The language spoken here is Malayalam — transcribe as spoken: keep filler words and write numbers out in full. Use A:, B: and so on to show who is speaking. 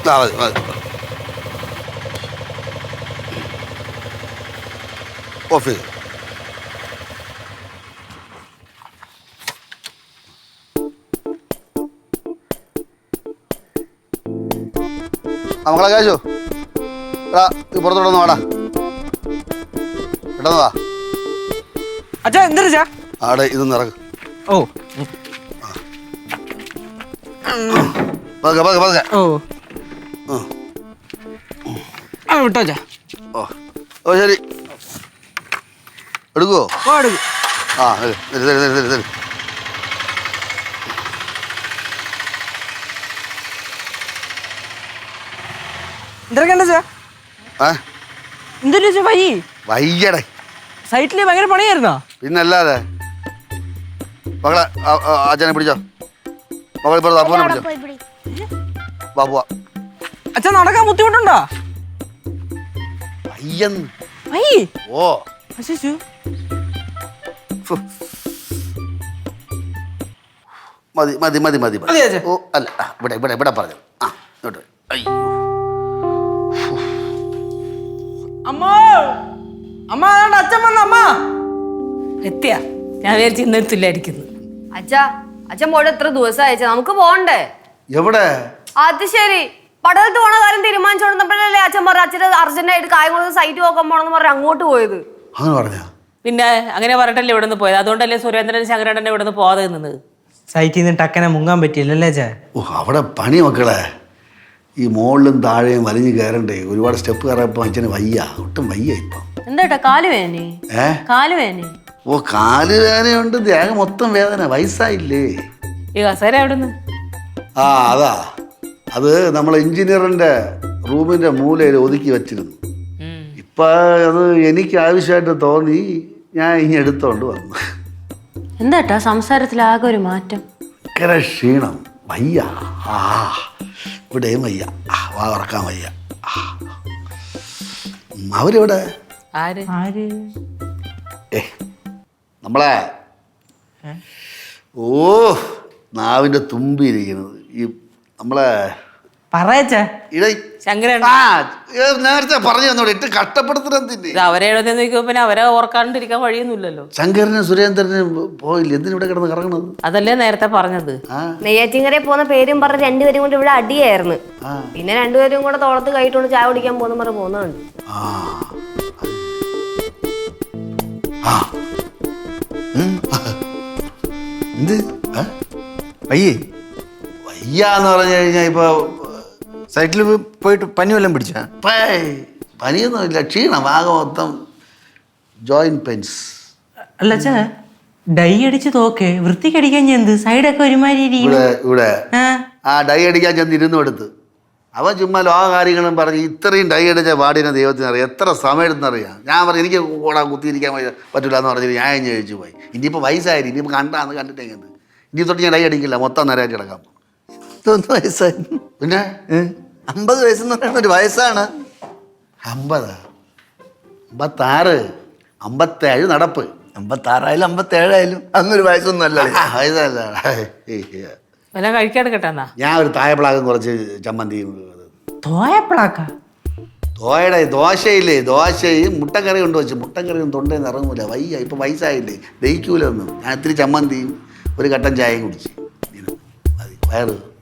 A: ആ മതി മതി ഓഫ് ചെയ്തു. മക്കളെ കാശു എടാ ഇത് പുറത്തോട്ടൊന്ന് വാടാ പെട്ടെന്ന് വാ.
B: അച്ഛാ എന്താ
A: ആടെ ഇതൊന്ന് ഇറങ്ങ്.
B: ഓ
A: പതുക്കെ പതുക്കെ പതുക്കെ.
B: ഓ ആ വിട്ടോ അച്ഛാ.
A: ഓ ഓ ശരി എടുക്കുവോ?
B: ഓ എടുക്കും.
A: ആ തരി തരി തരി തരി തരി.
B: എന്തൊക്കെ ഉണ്ട് ചാ?
A: ഏ
B: എന്തൊരു ചാ വൈ
A: വയ്യടേ
B: സൈറ്റില് ഭയങ്കര പണിയായിരുന്നോ?
A: പിന്നല്ലാതെ മകളെ അച്ഛനെ പിടിച്ചോ. മകളെ ഇപ്പോൾ അപ്പനെ പിടിച്ചോ. ബാബുവാ
B: അച്ഛാ നടക്കാൻ ബുദ്ധിമുട്ടുണ്ടോ?
A: വയ്യെന്ന്.
B: വൈ
A: ഓ
B: അശിശു
A: മതി മതി മതി മതി
B: മതി അച്ഛാ.
A: ഓ അല്ല ആ, ഇവിടെ ഇവിടെ ഇവിടെ പറഞ്ഞു ആ ഇങ്ങോട്ട് അയ്യോ
B: അമ്മ അമ്മ അതാണ്ട് അച്ഛൻ വന്ന അമ്മ
C: എത്തിയാ ഞാൻ വിചാരിച്ചു ഇന്നെത്തില്ലായിരിക്കുന്നു.
D: അച്ഛാ അച്ഛൻ പോയിട്ട് എത്ര ദിവസം അയച്ചാ നമുക്ക് പോണ്ടേ?
A: എവിടെ?
D: അത് ശരി പടലത്ത് പോണ കാര്യം തീരുമാനിച്ചോണ്ടപ്പോഴല്ലേ അച്ഛൻ പറഞ്ഞ അച്ഛൻ അർജന്റായിട്ട് കായംകുളത്ത് സൈറ്റ് നോക്കാൻ പോണെന്ന് പറഞ്ഞ് അങ്ങോട്ട് പോയത്.
A: അങ്ങനെ പറഞ്ഞ
C: പിന്നെ അങ്ങനെ പറഞ്ഞിട്ടല്ലേ ഇവിടെ നിന്ന് പോയത്. അതുകൊണ്ടല്ലേ സുരേന്ദ്രൻ ശങ്കരേട്ടനെ ഇവിടെ നിന്ന് പോകാതെ നിന്നത്.
B: സൈറ്റിൽ നിന്ന് ടക്കനെ മുങ്ങാൻ പറ്റിയില്ലല്ലേ ചാ?
A: ഓ അവിടെ പണി മക്കളെ ഈ മുകളിലും താഴെയും വലിഞ്ഞു കയറണ്ടേ. ഒരുപാട് സ്റ്റെപ്പ് കയറപ്പോൾ അച്ഛന് വയ്യ, ഒട്ടും വയ്യ ഇപ്പം.
C: എന്താ കാല് വേദന?
A: ഏ
C: കാല് വേദന?
A: ഓ കാല് വേദനയുണ്ട്, ദേഹം മൊത്തം വേദന. വയസ്സായില്ലേ?
C: ഈ കസേര എവിടുന്ന്?
A: ആ അതാ അത് നമ്മളെ എഞ്ചിനീയറിന്റെ റൂമിന്റെ മൂലയിൽ ഒതുക്കി വെച്ചിരുന്നു. ഇപ്പൊ അത് എനിക്ക് ആവശ്യമായിട്ട് തോന്നി, ഞാൻ ഇനി എടുത്തോണ്ട് വന്നു.
C: എന്താട്ടാ സംസാരത്തിൽ ആകെ ഒരു മാറ്റം?
A: ഭയങ്കര ക്ഷീണം, വയ്യ. ആ ഇവിടെയും വയ്യ, വാ ഉറക്കാൻ വയ്യ. അവരിവിടെ
C: ആര്
B: ആര്?
A: ഏ നമ്മളെ ഓ നാവിന്റെ തുമ്പിയിരിക്കുന്നത് ഈ നമ്മളെ
B: പറയച്ചേ
A: ഇട
C: ശങ്കരൻ.
A: ആ നേരത്തെ പറഞ്ഞു തന്നോട് ഇട്ട് കഷ്ടപ്പെടുത്തുന്നതിന്.
C: ഇത് അവരെ എഴുതി നോക്കുമ്പോ പിന്നെ അവരെ ഓർക്കാണ്ടിരിക്കാൻ വഴിയൊന്നുമില്ലല്ലോ.
A: ശങ്കരനും സുരേന്ദ്രനും പോയില്ല, എന്തിനാ ഇവിടെ കിടന്ന് കറങ്ങണത്?
C: അതല്ലേ നേരത്തെ പറഞ്ഞത്.
D: നെയ്യാറ്റിങ്കരയിൽ പോകുന്ന പേരും പറഞ്ഞ് രണ്ടുപേരും കൊണ്ട് ഇവിടെ അടിയായിരുന്നു. പിന്നെ രണ്ടുപേരും കൂടെ തോളത്ത് കൈയിട്ടുണ്ട് ചായ കുടിക്കാൻ പോകുന്ന പറഞ്ഞ് പോകുന്നുണ്ട്.
A: ആ ആ എന്ത്
E: വയ്യേ
A: വയ്യാന്ന് പറഞ്ഞു കഴിഞ്ഞാൽ ഇപ്പൊ
E: സൈറ്റിൽ പോയിട്ട് പനി വല്ലതും പിടിച്ചാ?
A: പനിയൊന്നുമില്ല, ക്ഷീണം ആകെ മൊത്തം ജോയിന്റ് പെയിൻസ്.
B: അല്ല ചാ ഡൈ അടിച്ച് തോക്കെ വൃത്തിക്കടിക്കാൻ ചെന്ത് സൈഡൊക്കെ ഒരുമാതിരി
A: ഇവിടെ ഇവിടെ ആ ഡൈ അടിക്കാൻ ചെന്ന് ഇരുന്നു എടുത്ത് അവൻ ചുമ്മാ ലോക കാര്യങ്ങളും പറഞ്ഞ് ഇത്രയും ഡൈ അടിച്ച പാടിനെ ദൈവത്തിന് അറിയാം. എത്ര സമയം എടുത്തെന്നറിയാം. ഞാൻ പറഞ്ഞു എനിക്ക് കൂടാ കുത്തിയിരിക്കാൻ പറ്റില്ല എന്ന് പറഞ്ഞിട്ട് ഞാൻ ഇനി കഴിച്ചു പോയി. ഇനിയിപ്പോൾ വയസ്സായി, ഇനിയിപ്പോൾ കണ്ടാന്ന് കണ്ടിട്ടെങ്കിൽ ഇനി തൊട്ട് ഞാൻ ഡൈ അടിക്കില്ല, മൊത്തം നേരമായിട്ട് കിടക്കാം.
E: ഇതൊന്ന് വയസ്സായി.
A: പിന്നെ
E: അമ്പത് വയസ്സെന്ന് പറയുന്ന ഒരു വയസ്സാണ്.
A: അമ്പത് അമ്പത്താറ് അമ്പത്തേഴ് നടപ്പ്.
E: അമ്പത്താറായാലും അമ്പത്തേഴായാലും അന്നൊരു വയസ്സൊന്നും അല്ല.
A: വയസ്സല്ല.
C: വല്ല കഴിക്കാടുക്കട്ടെ എന്നാ.
A: ഞാൻ ഒരു തായപ്പിളാകും കുറച്ച് ചമ്മന്തി
B: തോയപ്പളാക്ക
A: ദോശയുടെ ദോശയില്ലേ ദോശയും മുട്ടക്കറി കൊണ്ട് വെച്ച് മുട്ടക്കറിയും തൊണ്ടേന്ന് ഇറങ്ങൂല. വയ്യ, ഇപ്പം വയസ്സായില്ലേ, ദഹിക്കൂല ഒന്നും. ഞാൻ ഇത്തിരി ചമ്മന്തിയും ഒരു കട്ടൻ ചായയും കുടിച്ച് മതി, വയറ്